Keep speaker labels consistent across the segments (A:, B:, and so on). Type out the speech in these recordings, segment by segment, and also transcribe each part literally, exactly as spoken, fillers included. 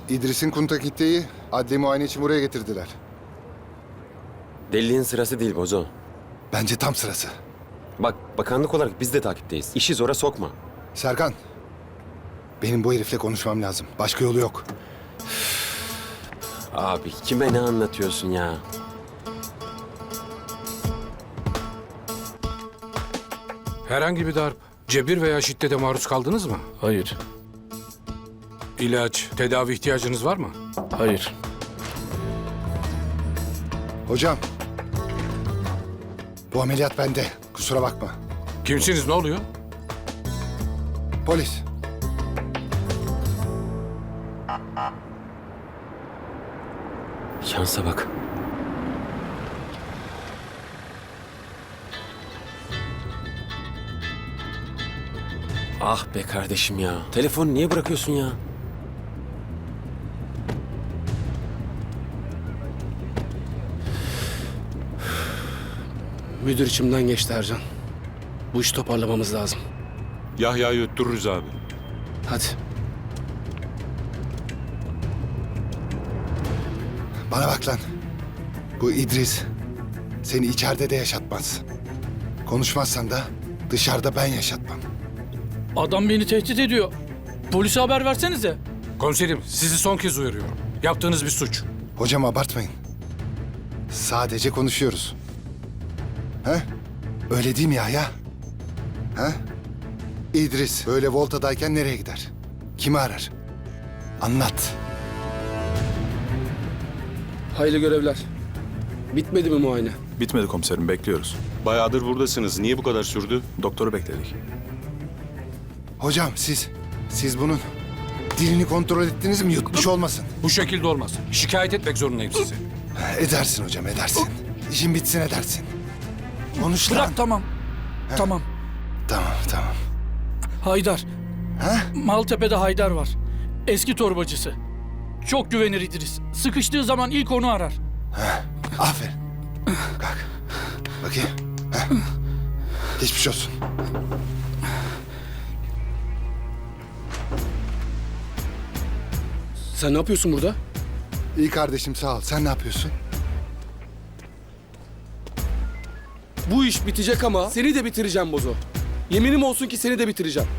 A: İdris'in Kuntakitte'yi adli muayene için buraya getirdiler.
B: Deliliğin sırası değil Bozo.
A: Bence tam sırası.
B: Bak, bakanlık olarak biz de takipteyiz. İşi zora sokma.
A: Serkan, benim bu herifle konuşmam lazım. Başka yolu yok.
B: Abi kime ne anlatıyorsun ya?
C: Herhangi bir darp, cebir veya şiddete maruz kaldınız mı?
D: Hayır,
C: İlaç, tedavi ihtiyacınız var mı?
D: hayır.
A: Hocam, bu ameliyat bende. Kusura bakma.
C: Kimsiniz, ne oluyor?
A: Polis.
B: Şansa bak. Ah be kardeşim ya. Telefonu niye bırakıyorsun ya?
D: Müdür içimden geçti Ercan. Bu işi toparlamamız lazım.
E: Yahya'yı öttürürüz abi.
D: Hadi.
A: Bana bak lan. Bu İdris seni içeride de yaşatmaz. Konuşmazsan da dışarıda ben yaşatmam.
F: Adam beni tehdit ediyor. Polise haber versenize.
C: Komiserim, sizi son kez uyarıyorum. Yaptığınız bir suç.
A: Hocam abartmayın. Sadece konuşuyoruz. He? Öyle değil mi Yahya? He? İdris böyle voltadayken nereye gider? Kimi arar? Anlat.
D: Hayırlı görevler. Bitmedi mi muayene?
E: Bitmedi komiserim, bekliyoruz. Bayağıdır buradasınız. Niye bu kadar sürdü? Doktoru bekledik.
A: Hocam siz, siz bunun dilini kontrol ettiniz mi? Yutmuş olmasın.
C: Bu şekilde olmaz. Şikayet etmek zorundayım sizi.
A: Edersin hocam, edersin. İşin bitsin edersin. Konuş lan.
F: Bırak tamam. Tamam.
A: Tamam, tamam.
F: Haydar.
A: He?
F: Maltepe'de Haydar var. Eski torbacısı. Çok güvenir İdris. Sıkıştığı zaman ilk onu arar.
A: Aferin. Kalk. Bakayım. Heh. Geçmiş olsun.
D: Sen ne yapıyorsun burada?
A: İyi kardeşim, sağ ol. Sen ne yapıyorsun?
D: Bu iş bitecek ama seni de bitireceğim Bozo. Yeminim olsun ki seni de bitireceğim.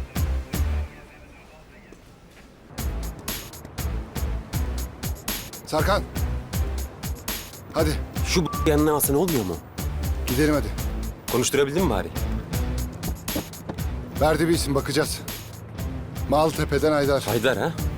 A: Serkan. Hadi
B: Şu b- yanına alsana, olmuyor mu?
A: gidelim hadi.
B: Konuşturabildin mi bari?
A: Verdi bir isim, bakacağız. Maltepe'den Haydar.
B: Haydar ha?